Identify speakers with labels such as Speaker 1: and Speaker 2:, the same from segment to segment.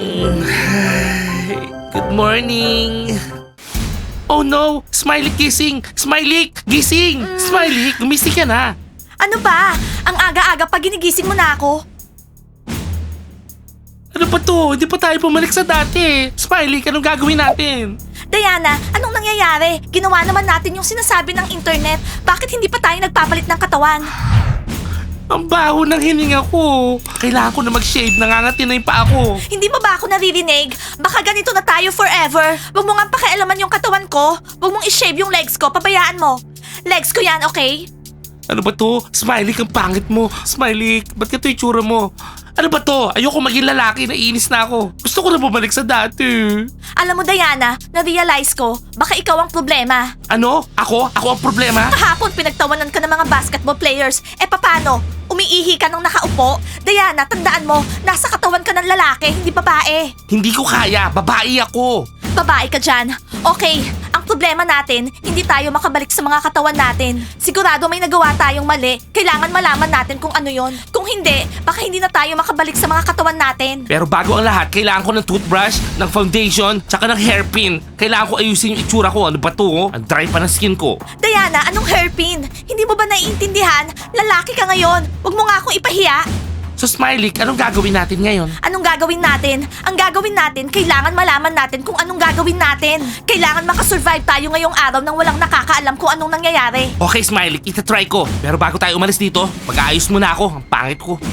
Speaker 1: Good morning. Oh no! Smiley gising! Smiley! Gising! Smiley, gumising ka na.
Speaker 2: Ano ba? Ang aga-aga pa ginigising mo na ako.
Speaker 1: Ano pa to? Hindi pa tayo pumalik sa dati. Smiley, anong gagawin natin?
Speaker 2: Diana, anong nangyayari? Ginawa naman natin yung sinasabi ng internet. Bakit hindi pa tayo nagpapalit ng katawan?
Speaker 1: Ang baho ng hininga ko. Kailangan ko na mag-shave. Nangangati na yung paa ko.
Speaker 2: Hindi mo ba ako naririnig? Baka ganito na tayo forever. Huwag mo nga pakialaman yung katawan ko. Huwag mong i-shave yung legs ko. Pabayaan mo. Legs ko yan, okay?
Speaker 1: Ano ba to? Smiley, ang pangit mo. Smiley, ba't ito yung tsura mo? Ano ba to? Ayoko maging lalaki. Naiinis na ako. Gusto ko na bumalik sa dati.
Speaker 2: Alam mo, Diana, na-realize ko, baka ikaw ang problema.
Speaker 1: Ano? Ako? Ako ang problema?
Speaker 2: Kahapon, pinagtawanan ka ng mga basketball players. Paano? Umiihi ka nang nakaupo? Diana, tandaan mo, nasa katawan ka ng lalaki, hindi babae.
Speaker 1: Hindi ko kaya. Babae ako.
Speaker 2: Babae ka dyan. Okay, ang problema natin, hindi tayo makabalik sa mga katawan natin. Sigurado may nagawa tayong mali. Kailangan malaman natin kung ano yon. Kung hindi, baka hindi na tayo makabalik sa mga katawan natin.
Speaker 1: Pero bago ang lahat, kailangan ko ng toothbrush, ng foundation, tsaka ng hairpin. Kailangan ko ayusin yung itsura ko. Ano ba to? Oh? Ang dry pa ng skin ko.
Speaker 2: Diana, anong hairpin? Hindi mo ba naiintindihan? Lalaki ka ngayon. Huwag mo nga akong ipahiya.
Speaker 1: So Smiley, anong gagawin natin ngayon?
Speaker 2: Anong gagawin natin? Ang gagawin natin, kailangan malaman natin kung anong gagawin natin. Kailangan makasurvive tayo ngayong araw nang walang nakakaalam kung anong nangyayari.
Speaker 1: Okay Smiley, itatry ko. Pero bago tayo umalis dito, mag-aayos muna ako. Ang pangit ko.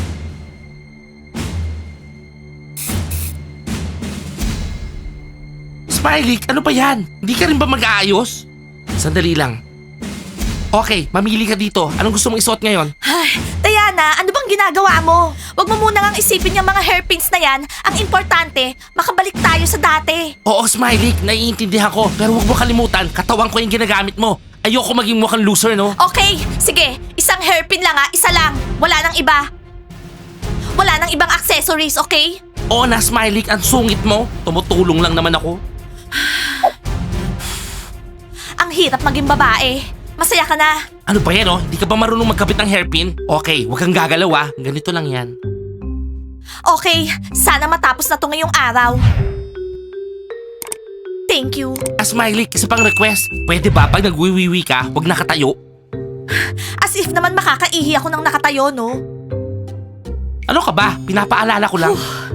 Speaker 1: Smiley, ano ba yan? Hindi ka rin ba mag-aayos? Sandali lang. Okay, mamili ka dito. Anong gusto mong isuot ngayon?
Speaker 2: Ay, Diana, ano bang ginagawa mo? Huwag mo muna ngang isipin yung mga hairpins na yan. Ang importante, makabalik tayo sa dati.
Speaker 1: Oo, Smiley, naiintindihan ko. Pero huwag mo kalimutan, katawan ko yung ginagamit mo. Ayoko maging mukhang loser, no?
Speaker 2: Okay, sige. Isang hairpin lang isa lang. Wala nang iba. Wala nang ibang accessories, okay?
Speaker 1: Oo na, Smiley, ang sungit mo. Tumutulong lang naman ako.
Speaker 2: Ang hirap maging babae. Masaya ka na.
Speaker 1: Ano ba yan, oh? Hindi ka ba marunong magkabit ng hairpin? Okay, huwag kang gagalaw, ah. Ganito lang yan.
Speaker 2: Okay, sana matapos na to ngayong araw. Thank you.
Speaker 1: Smiley, isa pang request. Pwede ba pag nagwiwiwi ka, huwag nakatayo?
Speaker 2: As if naman makakaihi ako ng nakatayo, no?
Speaker 1: Ano ka ba? Pinapaalala ko lang.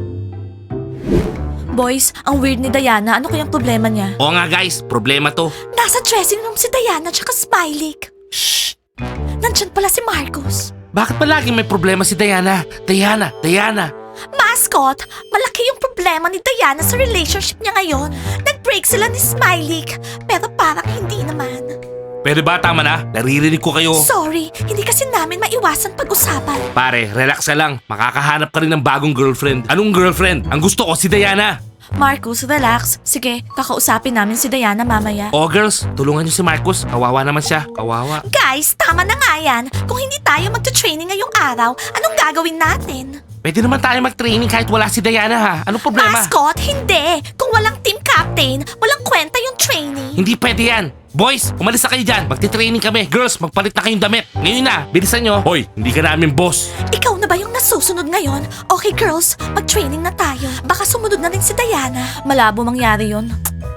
Speaker 2: Boys, ang weird ni Diana. Ano kayang problema niya?
Speaker 1: Oo nga guys, problema to.
Speaker 2: Nasa dressing room si Diana tsaka Smiley.
Speaker 1: Shh!
Speaker 2: Nandyan pala si Marcus.
Speaker 1: Bakit pa laging may problema si Diana? Diana!
Speaker 2: Mascot, malaki yung problema ni Diana sa relationship niya ngayon. Nag-break sila ni Smiley, pero parang hindi naman.
Speaker 1: Pwede ba tama na? Naririnig ko kayo.
Speaker 2: Sorry, hindi kasi namin maiwasan pag-usapan.
Speaker 1: Pare, relax ka lang. Makakahanap ka rin ng bagong girlfriend. Anong girlfriend? Ang gusto ko si Diana.
Speaker 2: Marcus, relax. Sige, kakausapin namin si Diana mamaya.
Speaker 1: Oh girls, tulungan niyo si Marcus. Kawawa naman siya. Kawawa.
Speaker 2: Guys, tama na nga yan. Kung hindi tayo magta-training ngayong araw, anong gagawin natin?
Speaker 1: Pwede naman tayo mag-training kahit wala si Diana ha. Anong problema?
Speaker 2: Mascot, hindi. Kung walang team captain, walang kwenta yung training.
Speaker 1: Hindi pwede yan. Boys, umalis na kayo dyan. Magti-training kami. Girls, magpalit na kayong damit. Ngayon na, bilisan nyo. Hoy, hindi ka namin boss.
Speaker 2: Ikaw na ba yung nasusunod ngayon? Okay girls, mag-training na tayo. Baka sumunod na rin si Diana. Malabo mangyari yun.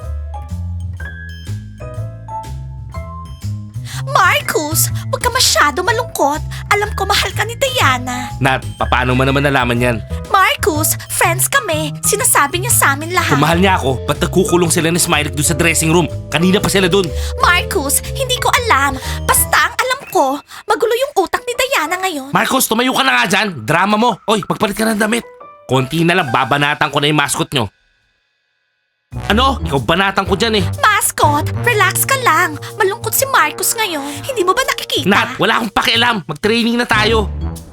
Speaker 2: Marcus, huwag ka masyado malungkot. Alam ko mahal ka ni Diana.
Speaker 1: Nat, paano mo naman nalaman yan?
Speaker 2: Marcus, friends kami. Sinasabi niya sa amin lahat.
Speaker 1: Kung mahal niya ako, ba't nagkukulong sila ni Smiley doon sa dressing room? Kanina pa sila doon.
Speaker 2: Marcus, hindi ko alam. Basta ang alam ko, magulo yung utak ni Diana ngayon.
Speaker 1: Marcos, tumayo ka na nga dyan. Drama mo. Oy, magpalit ka ng damit. Konti na lang, babanatan ko na yung mascot nyo. Ano? Ikaw banatan ko dyan eh.
Speaker 2: Mascot, relax ka lang. Malungkot si Marcus ngayon. Hindi mo ba nakikita?
Speaker 1: Nat, wala akong pakialam. Mag-training na tayo.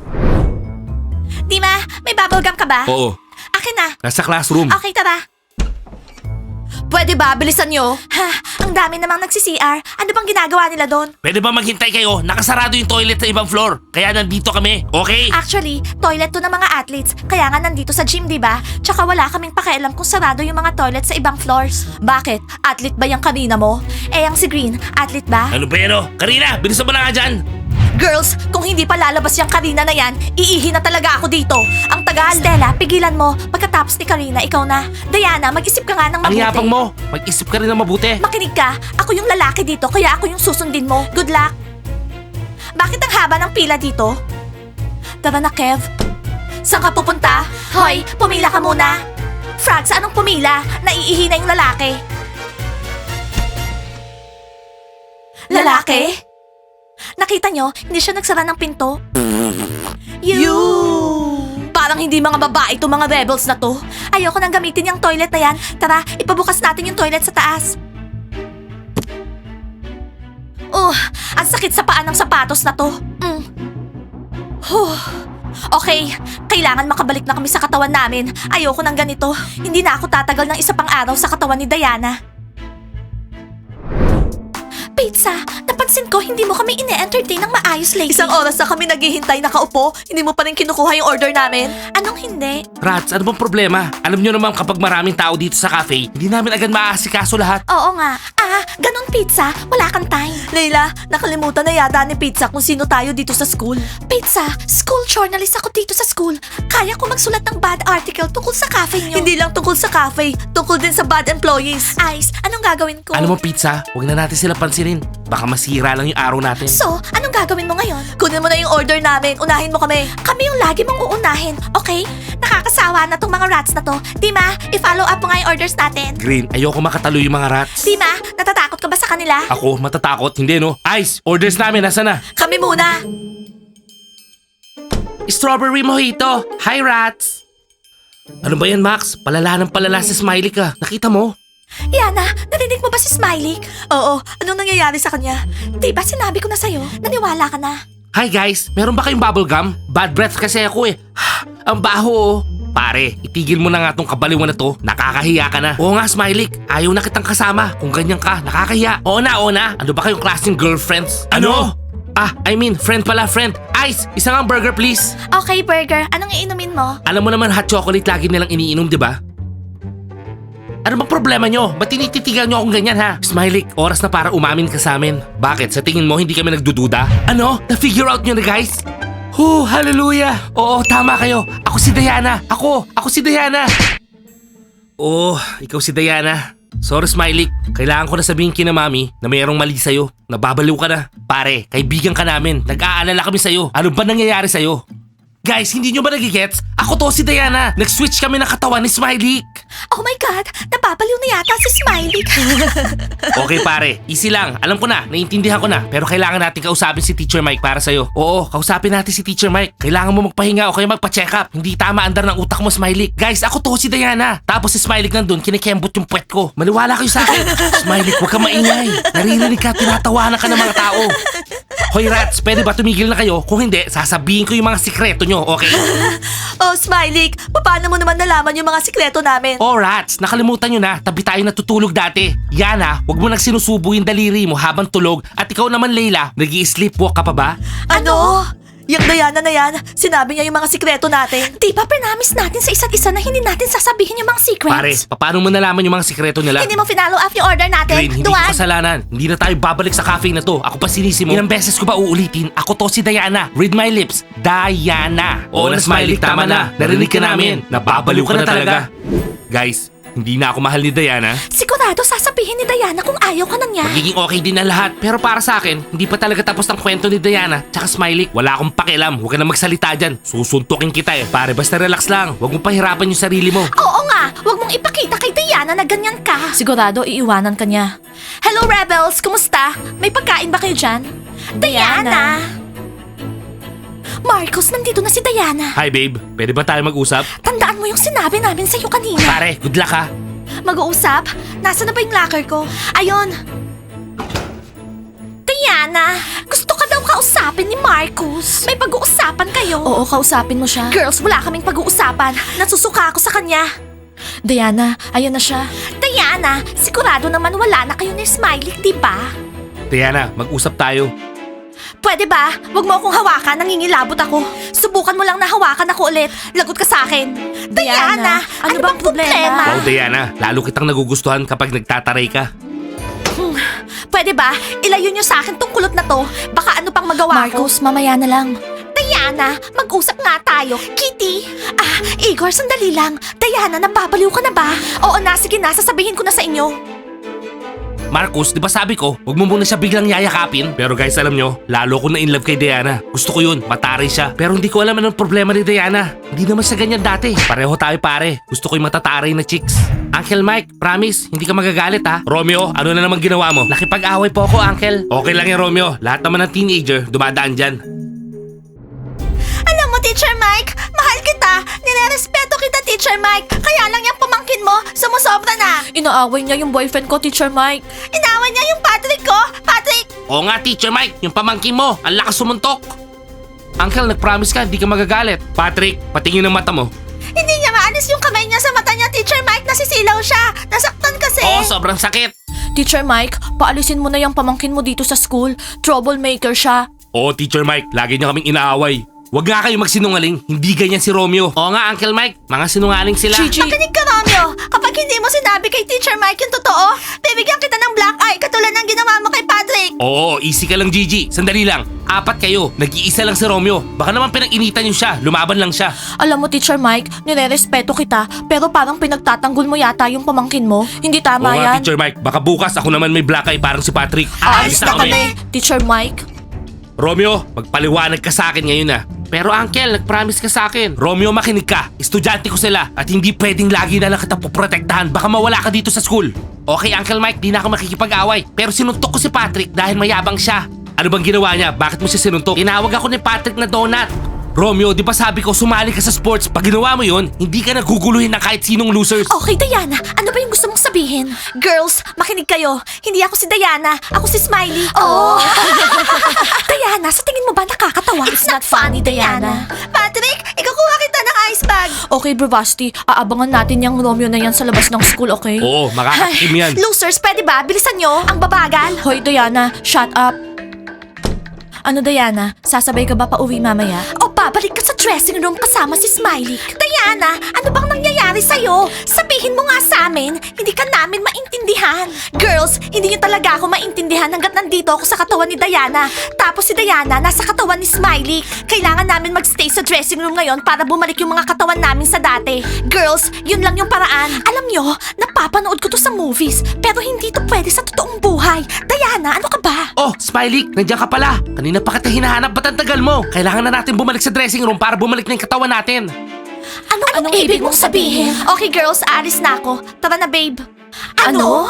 Speaker 2: Dima, may bubblegum ka ba?
Speaker 1: Oo,
Speaker 2: Akin na.
Speaker 1: nasa classroom.
Speaker 2: Okay, tara. Pwede ba? Bilisan nyo. Ha, ang dami namang nagsi-CR. Ano bang ginagawa nila doon?
Speaker 1: Pwede ba maghintay kayo? Nakasarado yung toilet sa ibang floor. Kaya nandito kami, okay?
Speaker 2: Actually, toilet to ng mga athletes. Kaya nga nandito sa gym, di ba? Tsaka wala kaming pakialam kung sarado yung mga toilet sa ibang floors. Bakit? Athlete ba yung kanina mo? Eh, ang si Green, athlete ba?
Speaker 1: Ano ba yan oh? Karina, bilisan mo na nga dyan.
Speaker 2: Girls, kung hindi pa lalabas yung Karina na yan, iihi na talaga ako dito. Ang tagal. Stella, pigilan mo. Pagkatapos ni Karina, ikaw na. Diana, mag-isip ka nga ng
Speaker 1: Ang
Speaker 2: mabuti.
Speaker 1: yapang mo. Mag-isip ka rin ng mabuti.
Speaker 2: Makinig ka. Ako yung lalaki dito, kaya ako yung susundin mo. Good luck. Bakit ang haba ng pila dito? Tara na, Kev. Saan ka pupunta? Hoy, pumila ka muna. Frogs, anong pumila? Naiihi na yung lalaki. Lalaki? Nakita nyo, hindi siya nagsara ng pinto. You! Parang hindi mga babae to mga rebels na to. Ayoko nang gamitin yung toilet na yan. Tara, ipabukas natin yung toilet sa taas. Ang sakit sa paa ng sapatos na to. Okay, kailangan makabalik na kami sa katawan namin. Ayoko ng ganito. Hindi na ako tatagal ng isa pang araw sa katawan ni Diana. Pizza, napansin ko hindi mo kami ine-entertain ng maayos lately. Isang oras na kami naghihintay nakaupo, hindi mo pa rin kinukuha yung order namin. Anong hindi?
Speaker 1: Rats, ano bang problema? Alam nyo naman kapag maraming tao dito sa cafe, hindi namin agad maaasikaso lahat.
Speaker 2: Oo nga. Ganun pizza, wala kang time. Leila, nakalimutan na yata ni Pizza kung sino tayo dito sa school. Pizza, school journalist ako dito sa school. Kaya ko magsulat ng bad article tungkol sa cafe niyo. Hindi lang tungkol sa cafe, tungkol din sa bad employees. Ice, anong gagawin ko?
Speaker 1: Alam mo, Pizza, huwag na natin sila pansinin. Baka masira lang yung araw natin.
Speaker 2: So, anong gagawin mo ngayon? Kunin mo na yung order namin. Unahin mo kami. Kami yung lagi mong uunahin, okay? Nakakasawa na tong mga rats na to. Dima, i-follow up mo nga yung orders natin.
Speaker 1: Green, ayoko makatalo yung mga rats.
Speaker 2: Dima, natatakot ka ba sa kanila?
Speaker 1: Ako, matatakot. Hindi, no? Ice, orders namin. Nasaan na?
Speaker 2: Kami muna.
Speaker 1: Strawberry mojito. Hi, rats. Ano ba yan, Max? Palala ng palala si Smiley ka. Nakita mo?
Speaker 2: Yana, narinig mo ba si Smiley? Oo, anong nangyayari sa kanya? Diba sinabi ko na sa'yo, naniwala ka na.
Speaker 1: Hi guys, meron ba kayong bubble gum? Bad breath kasi ako eh. Ang baho oh. Pare, itigil mo na nga tong kabaliwan na to. Nakakahiya ka na. Oo nga, Smiley. Ayaw na kitang kasama. Kung ganyan ka, nakakahiya. Oo na. Ano ba kayong klaseng girlfriends? Ano? I mean, friend pala, friend. Ice, isang hamburger please.
Speaker 2: Okay, Burger, anong iinumin mo?
Speaker 1: Alam mo naman hot chocolate lagi nilang iniinom, di ba? Ano bang problema nyo? Ba't tinititigan nyo akong ganyan ha? Smiley, oras na para umamin ka sa amin. Bakit? Sa tingin mo hindi kami nagdududa? Ano? Na-figure out nyo na guys? Hallelujah! Oo, tama kayo. Ako si Diana. Ako si Diana. Oh, ikaw si Diana. Sorry Smiley, kailangan ko na sabihin kina mami na mayroong mali sa'yo. Nababaliw ka na. Pare, kaibigan ka namin. Nag-aalala kami sa'yo. Ano ba nangyayari sa'yo? Guys, hindi nyo ba nagigets? Ako to si Diana. Nag-switch kami ng katawan ni Smiley.
Speaker 2: Oh my God, napapaliw na yata si Smiley.
Speaker 1: Okay pare, easy lang. Alam ko na, naiintindihan ko na. Pero kailangan natin kausapin si Teacher Mike para sa'yo. Oo, kausapin natin si Teacher Mike. Kailangan mo magpahinga o kaya magpa-check up. Hindi tama andar ng utak mo, Smiley. Guys, ako to si Diana. Tapos si Smiley nandun, kinikembot yung puwet ko. Maniwala kayo sa akin. Smiley, huwag ka maingay. Naririnig ka, tinatawanan ka ng mga tao. Hoy rats, pwede ba tumigil na kayo? Kung hindi, sasabihin ko yung mga sikreto nyo, okay?
Speaker 2: Oh, Smiley, paano mo naman nalaman yung mga sikreto namin?
Speaker 1: Oh rats, nakalimutan nyo na, tabi tayo natutulog dati. Yana, wag mo nang sinusubo yung daliri mo habang tulog. At ikaw naman Layla, nag-i-sleepwalk ka pa ba?
Speaker 2: Ano? Yung Diana na yan, sinabi niya yung mga sikreto natin. Di ba promise natin sa isa't isa na hindi natin sasabihin yung mga secrets?
Speaker 1: Pare, paano mo nalaman yung mga sikreto nila?
Speaker 2: Hindi mo finalo up yung order natin.
Speaker 1: Green, hindi ko
Speaker 2: Duwag.
Speaker 1: kasalanan. Hindi na tayo babalik sa cafe na to. Ako pa sinisi mo. Ilang beses ko ba uulitin? Ako to si Diana. Read my lips. Diana. Oo na Smiley, tama na. Narinig ka namin. Nababaliw ka na talaga. Guys, hindi na ako mahal ni Diana.
Speaker 2: Sigurado sasabihin ni Diana kung ayaw ka na niya.
Speaker 1: Magiging okay din na lahat. Pero para sa akin, hindi pa talaga tapos ang kwento ni Diana. Tsaka Smiley, wala akong pakialam. Huwag ka na magsalita dyan. Susuntukin kita eh. Pare, basta relax lang. Huwag mong pahirapan yung sarili mo.
Speaker 2: Oo nga, huwag mong ipakita kay Diana na ganyan ka. Sigurado iiwanan ka niya. Hello Rebels, kumusta? May pagkain ba kayo dyan? Diana! Marcos, nandito na si Diana.
Speaker 1: Hi babe, pwede ba tayo mag-usap?
Speaker 2: Tandaan mo yung sinabi namin sa'yo kanina.
Speaker 1: Pare, good luck ha.
Speaker 2: Mag-uusap? Nasaan na ba yung locker ko? Ayun! Diana, gusto ka daw kausapin ni Marcus. May pag-uusapan kayo. Oo, kausapin mo siya. Girls, wala kaming pag-uusapan. Nasusuka ako sa kanya. Diana, ayun na siya. Diana, sigurado naman wala na kayo ni Smiley, di ba?
Speaker 1: Diana, mag-usap tayo.
Speaker 2: Pwede ba? Huwag mo akong hawakan, nangingilabot ako. Subukan mo lang na hawakan ako ulit. Lagot ka sa akin. Diana, ano bang problema?
Speaker 1: Wow Diana, lalo kitang nagugustuhan kapag nagtataray ka.
Speaker 2: Pwede ba? Ilayo niyo sa akin tong kulot na to. Baka ano pang magawa ko. Marcos, mamaya na lang. Diana, mag-usap nga tayo. Kitty! Igor, sandali lang. Diana, nababaliw ka na ba? Oo na, sige na, sasabihin ko na sa inyo.
Speaker 1: Marcus, di ba sabi ko, huwag mo muna siya biglang yayakapin? Pero guys, alam nyo, lalo ko na in love kay Diana. Gusto ko yun, mataray siya. Pero hindi ko alam anong problema ni Diana. Hindi naman siya ganyan dati. Pareho tayo pare. Gusto ko yung matataray na chicks. Uncle Mike, promise, hindi ka magagalit ha? Romeo, ano na naman ginawa mo? Nakipag-away po ako, Uncle. Okay lang yan, Romeo. Lahat naman ng teenager, dumadaan dyan.
Speaker 2: Alam mo, Teacher Mike, mahal kita. Nirerespeto kita, Teacher Mike. Kaya lang yung pamangkin mo, sumusobra na. Inaaway niya yung boyfriend ko, Teacher Mike. Inaaway niya yung Patrick ko. Patrick!
Speaker 1: Oo nga, Teacher Mike, yung pamangkin mo, ang lakas sumuntok. Uncle, nag-promise ka, hindi ka magagalit. Patrick, patingin ang mata mo.
Speaker 2: Hindi niya maalis yung kamay niya sa mata niya, Teacher Mike. Nasisilaw siya. Nasaktan kasi.
Speaker 1: Oo, sobrang sakit.
Speaker 2: Teacher Mike, paalisin mo na yung pamangkin mo dito sa school. Troublemaker siya.
Speaker 1: Oo, Teacher Mike, lagi niya kaming inaaway. Huwag nga kayo magsinungaling, hindi ganyan si Romeo. Oo nga, Uncle Mike, mga sinungaling sila.
Speaker 2: Makinig ka, Romeo. Kapag hindi mo sinabi kay Teacher Mike yung totoo, bibigyan kita ng black eye katulad ng ginawa mo kay Patrick.
Speaker 1: Oo, easy ka lang, Gigi. Sandali lang, 4 kayo, nag-iisa lang si Romeo. Baka naman pinag-initan niyo siya, lumaban lang siya.
Speaker 2: Alam mo, Teacher Mike, nire-respeto kita, pero parang pinagtatanggol mo yata yung pamangkin mo. Hindi tama
Speaker 1: Oo nga,
Speaker 2: yan.
Speaker 1: Teacher Mike, baka bukas ako naman may black eye parang si Patrick.
Speaker 2: Aalis na kami. Teacher Mike.
Speaker 1: Romeo, magpaliwanag ka sa akin ngayon na. Pero Uncle, nag-promise ka sa akin. Romeo, makinig ka. Estudyante ko sila at hindi pwedeng lagi na lang kita poprotektahan. Baka mawala ka dito sa school. Okay, Uncle Mike, di na ako makikipag-away. Pero sinuntok ko si Patrick dahil mayabang siya. Ano bang ginawa niya? Bakit mo siya sinuntok? Tinawag ako ni Patrick na donut. Romeo, di ba sabi ko sumali ka sa sports? Pag ginawa mo yun, hindi ka naguguluhin ng kahit sinong losers.
Speaker 2: Okay, Diana. Ano ba yung gusto mong sabihin? Girls, makinig kayo. Hindi ako si Diana. Ako si Smiley. Oh! Diana, sa tingin mo ba nakakatawa? It's not funny, Diana. Patrick, ikukuha kita ng ice bag. Okay, Bro Basti. Aabangan natin yung Romeo na yan sa labas ng school, okay?
Speaker 1: Oo, makakatim yan.
Speaker 2: Losers, pwede ba? Bilisan nyo. Ang babagal. Hoy, Diana. Shut up. Ano, Diana? Sasabay ka ba pa uwi mamaya? O babalik ka sa dressing room kasama si Smiley? Diana, ano bang nangyayari sa'yo? Sabihin mo nga sa amin, hindi ka namin maintindihan. Girls, hindi niyo talaga ako maintindihan hanggat nandito ako sa katawan ni Diana. Tapos si Diana nasa katawan ni Smiley. Kailangan namin magstay sa dressing room ngayon para bumalik yung mga katawan namin sa dati. Girls, yun lang yung paraan. Alam nyo, napapanood ko to sa movies, pero hindi to pwede sa totoong buhay. Diana, ano ka ba?
Speaker 1: Oh, Smiley, nandiyan ka pala. Kanina pa kita hinahanap, ba't ang tagal mo? Kailangan na natin bumalik sa dressing room para bumalik na yung katawan natin.
Speaker 2: Anong ibig mong sabihin? Okay girls, alis na ako. Tara na babe. Ano?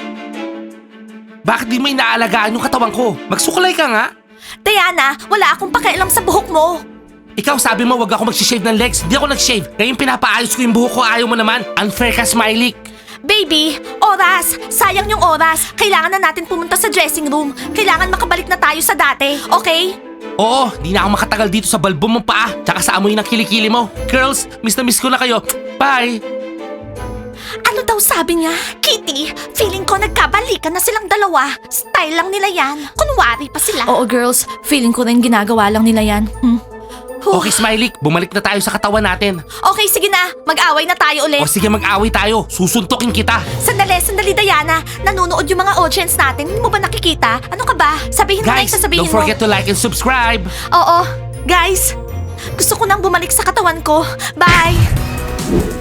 Speaker 1: Bakit di mo inaalagaan yung katawan ko? Magsukulay ka nga.
Speaker 2: Diana, wala akong pakialam sa buhok mo.
Speaker 1: Ikaw sabi mo wag ako mag-shave ng legs. Hindi ako nag-shave. Ngayon pinapaayos ko yung buhok ko, ayaw mo naman. Unfair ka, Smiley.
Speaker 2: Baby, oras! Sayang yung oras. Kailangan na natin pumunta sa dressing room. Kailangan makabalik na tayo sa dati, okay?
Speaker 1: Oo, di na ako makatagal dito sa balbo mong paa. Tsaka sa amoy ng kilikili mo. Girls, miss na miss ko na kayo. Bye!
Speaker 2: Ano daw sabi niya? Kitty, feeling ko nagkabalikan na silang dalawa. Style lang nila yan. Kunwari pa sila. Oo girls, feeling ko rin ginagawa lang nila yan.
Speaker 1: Okay, Smiley, bumalik na tayo sa katawan natin.
Speaker 2: Okay, sige na. Mag-away na tayo ulit.
Speaker 1: O sige, mag-away tayo. Susuntukin kita.
Speaker 2: Sandali, Diana. Nanonood yung mga audience natin. Hindi mo ba nakikita? Ano ka ba? Sabihin mo na yung
Speaker 1: Guys,
Speaker 2: sasabihin
Speaker 1: don't
Speaker 2: mo.
Speaker 1: forget to like and subscribe.
Speaker 2: Oo. Guys, gusto ko nang bumalik sa katawan ko. Bye!